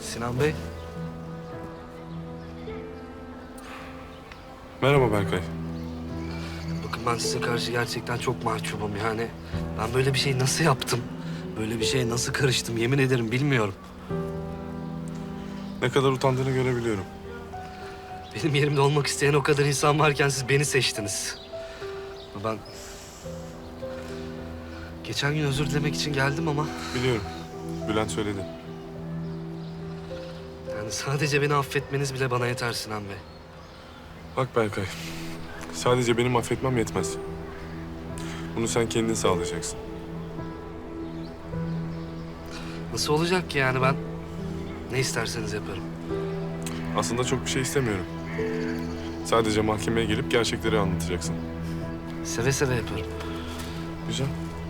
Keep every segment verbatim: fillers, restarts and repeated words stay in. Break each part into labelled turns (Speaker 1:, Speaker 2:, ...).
Speaker 1: Sinan Bey.
Speaker 2: Merhaba Berkay.
Speaker 1: Bakın ben size karşı gerçekten çok mahcubum yani. Ben böyle bir şey nasıl yaptım? Böyle bir şeye nasıl karıştım yemin ederim bilmiyorum.
Speaker 2: Ne kadar utandığını görebiliyorum.
Speaker 1: Benim yerimde olmak isteyen o kadar insan varken siz beni seçtiniz. Ben... Geçen gün özür dilemek için geldim ama...
Speaker 2: Biliyorum. Bülent söyledi.
Speaker 1: Yani sadece beni affetmeniz bile bana yeter Sinan Bey.
Speaker 2: Bak Berkay, sadece benim affetmem yetmez. Bunu sen kendin sağlayacaksın.
Speaker 1: Nasıl olacak ki yani ben... Ne isterseniz yaparım.
Speaker 2: Aslında çok bir şey istemiyorum. Sadece mahkemeye gelip gerçekleri anlatacaksın.
Speaker 1: Seve seve yaparım.
Speaker 2: Güzel.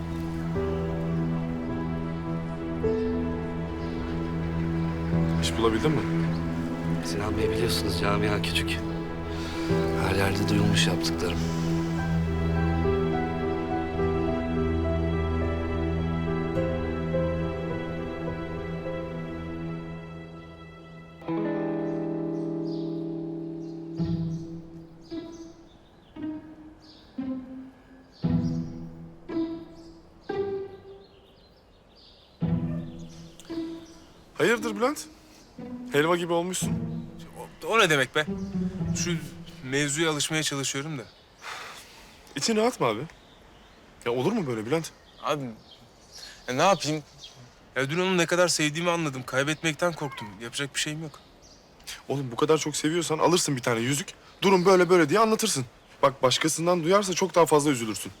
Speaker 2: İş bulabildin mi?
Speaker 1: Sinan Bey biliyorsunuz camia küçük. Her yerde duyulmuş yaptıklarım.
Speaker 2: Hayırdır Bülent? Helva gibi olmuşsun.
Speaker 3: O, o ne demek be? Şu mevzuya alışmaya çalışıyorum da.
Speaker 2: İçin rahat mı abi? Ya olur mu böyle Bülent?
Speaker 3: Abi ya ne yapayım? Ya dün onu ne kadar sevdiğimi anladım. Kaybetmekten korktum. Yapacak bir şeyim yok.
Speaker 2: Oğlum bu kadar çok seviyorsan alırsın bir tane yüzük. Durum böyle böyle diye anlatırsın. Bak başkasından duyarsa çok daha fazla üzülürsün.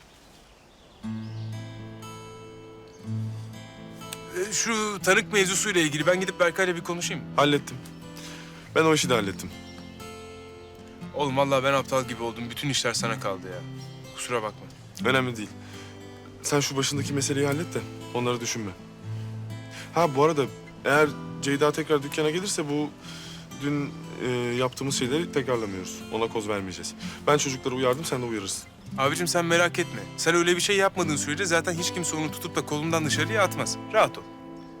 Speaker 3: E, şu tanık mevzusuyla ilgili ben gidip Berkay'la bir konuşayım.
Speaker 2: Hallettim. Ben o işi de hallettim.
Speaker 3: Oğlum vallahi ben aptal gibi oldum. Bütün işler sana kaldı ya. Kusura bakma.
Speaker 2: Önemli değil. Sen şu başındaki meseleyi hallet de onları düşünme. Ha bu arada eğer Ceyda tekrar dükkana gelirse bu dün e, yaptığımız şeyleri tekrarlamıyoruz. Ona koz vermeyeceğiz. Ben çocukları uyardım, sen de uyarırsın.
Speaker 3: Abicim sen merak etme. Sen öyle bir şey yapmadığın sürece zaten hiç kimse onu tutup da kolundan dışarıya atmaz. Rahat ol.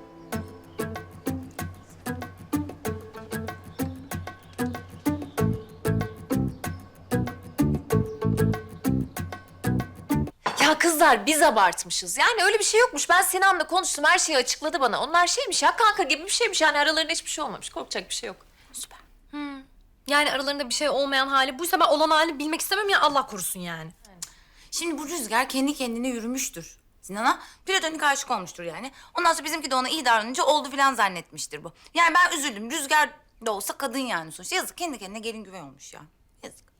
Speaker 4: Ya kızlar biz abartmışız. Yani öyle bir şey yokmuş. Ben Sinan'la konuştum. Her şeyi açıkladı bana. Onlar şeymiş ya kanka gibi bir şeymiş. Yani aralarında hiçbir şey olmamış. Korkacak bir şey yok.
Speaker 5: Süper. Hmm. Yani aralarında bir şey olmayan hali buysa ben olan halini bilmek istemem ya Allah korusun yani.
Speaker 6: Şimdi bu Rüzgar kendi kendine yürümüştür. Sinan'a platonik aşık olmuştur yani. Ondan sonra bizimki de ona iyi davranınca oldu falan zannetmiştir bu. Yani ben üzüldüm. Rüzgar da olsa kadın yani sonuçta. Yazık kendi kendine gelin güvey olmuş ya. Yazık.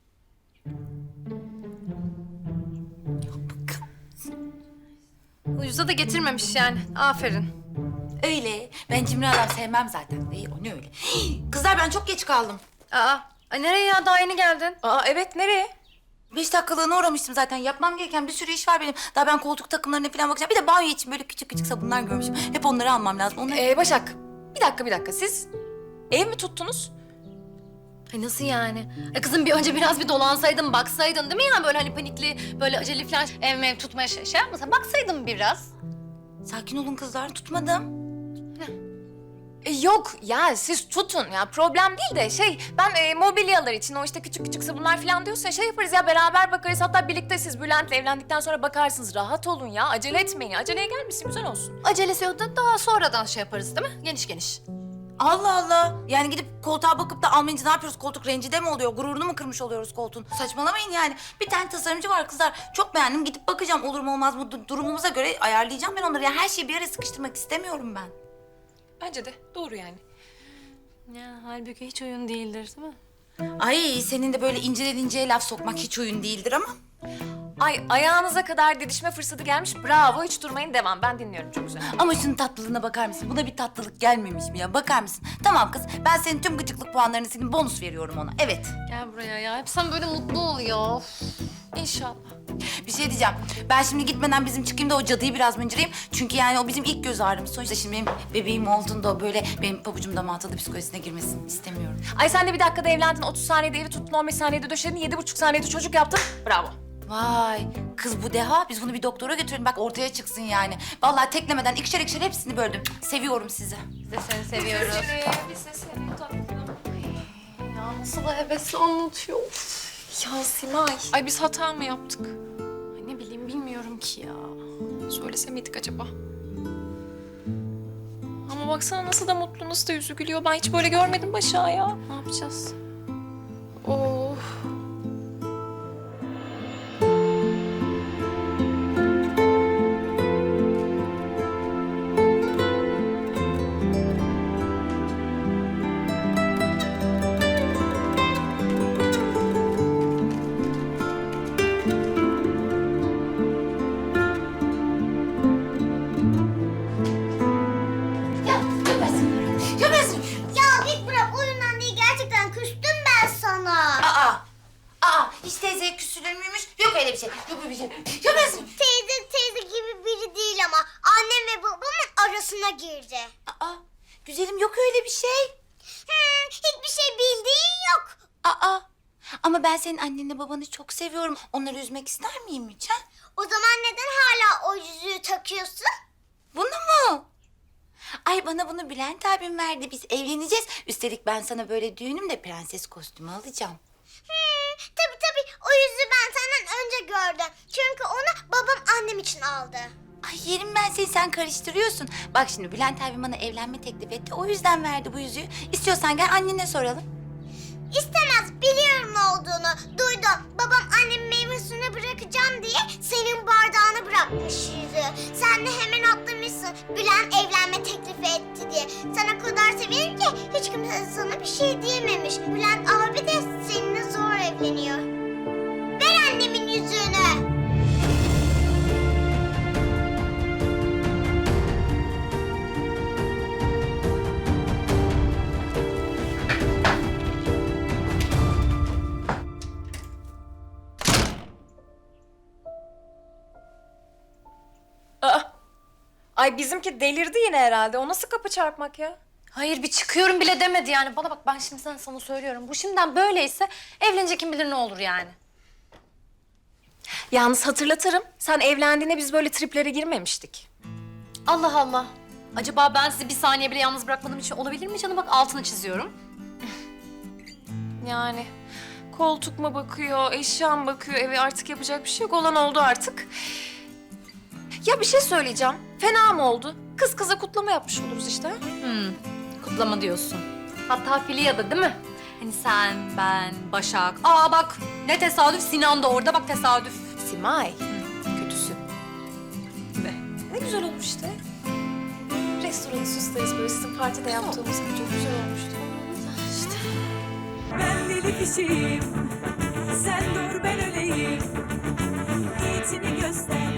Speaker 5: Ucuza da getirmemiş yani. Aferin.
Speaker 6: Öyle. Ben cimri adam sevmem zaten. İyi o ne öyle. Hii, kızlar ben çok geç kaldım.
Speaker 5: Aa, ay nereye ya? Daha yeni geldin.
Speaker 4: Aa evet nereye?
Speaker 6: Beş dakikalığına uğramıştım zaten. Yapmam gereken bir sürü iş var benim. Daha ben koltuk takımlarına falan bakacağım. Bir de banyo için böyle küçük küçük sabunlar görmüşüm. Hep onları almam lazım. Onları...
Speaker 4: Ee, Başak bir dakika bir dakika siz ev mi tuttunuz?
Speaker 5: Ay nasıl yani? E kızım bir önce biraz bir dolansaydın, baksaydın değil mi ya? Böyle hani panikli, böyle acele falan ev mev tutmaya şey, şey yapmasan. Baksaydın biraz.
Speaker 6: Sakin olun kızlar. Tutmadım.
Speaker 4: E, yok ya siz tutun ya problem değil de şey ben e, mobilyalar için o işte küçük küçük sabunlar falan diyorsa şey yaparız ya beraber bakarız hatta birlikte siz Bülent'le evlendikten sonra bakarsınız rahat olun ya acele etmeyin aceleye gelmesin güzel olsun.
Speaker 5: Acelesi yok da daha sonradan şey yaparız değil mi? Geniş geniş.
Speaker 6: Allah Allah. Yani gidip koltuğa bakıp da almayınca ne yapıyoruz? Koltuk rencide mi oluyor? Gururunu mu kırmış oluyoruz koltuğun? Saçmalamayın yani. Bir tane tasarımcı var kızlar. Çok beğendim. Gidip bakacağım olur mu olmaz mı? Du- durumumuza göre ayarlayacağım ben onları. Yani her şeyi bir yere sıkıştırmak istemiyorum ben.
Speaker 4: Bence de doğru yani.
Speaker 5: Ya halbuki hiç oyun değildir değil mi?
Speaker 6: Ay senin de böyle inceden inceye laf sokmak hiç oyun değildir ama.
Speaker 4: Ay ayağınıza kadar didişme fırsatı gelmiş bravo hiç durmayın devam ben dinliyorum çok güzel.
Speaker 6: Ama şunun tatlılığına bakar mısın? Buna bir tatlılık gelmemiş mi ya? Bakar mısın? Tamam kız. Ben senin tüm gıcıklık puanlarını sildim. Bonus veriyorum ona. Evet.
Speaker 5: Gel buraya ya. Hep sen böyle mutlu ol ya.
Speaker 4: İnşallah.
Speaker 6: Bir şey diyeceğim. Ben şimdi gitmeden bizim çıkayım da o cadıyı biraz mıncırayım. Çünkü yani o bizim ilk göz ağrımız. Sonuçta şimdi benim bebeğim olduğunda o böyle benim pabucumda mağazalı psikolojisine girmesini istemiyorum.
Speaker 4: Ay sen de bir dakikada evlendin otuz saniyede evi tuttun on beş saniyede döşedin yedi buçuk saniyede çocuk yaptın bravo.
Speaker 6: Vay kız bu deha. Biz bunu bir doktora götürelim bak ortaya çıksın yani. Vallahi teklemeden ikişer ikişer hepsini böldüm. Seviyorum sizi.
Speaker 5: Biz de seni seviyoruz.
Speaker 4: Biz de seni tatlım.
Speaker 5: Ya nasıl da hevesli anlatıyor.
Speaker 4: Ya Simay. Ay biz hata mı yaptık?
Speaker 5: Ay ne bileyim bilmiyorum ki ya.
Speaker 4: Söylese miydik acaba? Ama baksana nasıl da mutlu, nasıl da yüzü gülüyor. Ben hiç böyle görmedim Başak'ı ya. Ne yapacağız? Of.
Speaker 7: Ya git bırak oyundan değil gerçekten küstüm ben sana.
Speaker 6: Aa, aa hiç teyzeye küsülür müymüş? Yok öyle bir şey. Yok öyle bir şey. Yok öyle bir şey.
Speaker 7: Teyze teyze gibi biri değil ama annem ve babamın arasına girdi.
Speaker 6: Aa, güzelim yok öyle bir şey.
Speaker 7: Hmm, hiçbir şey bildiğin yok.
Speaker 6: Aa, ama ben senin annenle babanı çok seviyorum. Onları üzmek ister miyim hiç ha?
Speaker 7: O zaman neden hala o yüzüğü takıyorsun?
Speaker 6: Bunu mu? Ay bana bunu Bülent abim verdi. Biz evleneceğiz. Üstelik ben sana böyle düğünümde prenses kostümü alacağım.
Speaker 7: Hmm, tabii tabii o yüzüğü ben senden önce gördüm. Çünkü onu babam annem için aldı.
Speaker 6: Ay yerim ben seni, sen karıştırıyorsun. Bak şimdi Bülent abim bana evlenme teklif etti. O yüzden verdi bu yüzüğü. İstiyorsan gel annene soralım.
Speaker 7: İstemez biliyorum ne olduğunu. Duydum. Babam annemin meyve suyunu bırakacağım diye senin bardağını bırakmış yüzüğü. Sen de hemen atlamışsın. Bülent evlenme teklifi etti diye. Sen o kadar sevinir ki hiç kimse sana bir şey diyememiş. Bülent abi de seninle zor evleniyor. Ver annemin yüzüğünü.
Speaker 4: Aa. Ay bizimki delirdi yine herhalde. O nasıl kapı çarpmak ya?
Speaker 5: Hayır bir çıkıyorum bile demedi yani. Bana bak ben şimdiden sana söylüyorum. Bu şimdiden böyleyse evlenecek kim bilir ne olur yani.
Speaker 4: Yalnız hatırlatırım. Sen evlendiğinde biz böyle triplere girmemiştik.
Speaker 5: Allah Allah. Acaba ben sizi bir saniye bile yalnız bırakmadığım için olabilir mi canım? Bak altını çiziyorum.
Speaker 4: Yani koltuk mu bakıyor, eşya mı bakıyor, eve artık yapacak bir şey yok. Olan oldu artık. Ya bir şey söyleyeceğim. Fena mı oldu? Kız kıza kutlama yapmış oluruz işte.
Speaker 5: Hmm, kutlama diyorsun. Hatta Filya'da değil mi? Hani sen, ben, Başak. Aa bak ne tesadüf Sinan da orada bak tesadüf.
Speaker 4: Simay. Kötüsü. Ne? Ne güzel olmuş işte. Restoranı süsleriz böyle sizin partide yaptığımız gibi çok güzel olmuştu. İşte.
Speaker 8: Ben deli kişiyim, sen dur ben öleyim. Niyetini göster.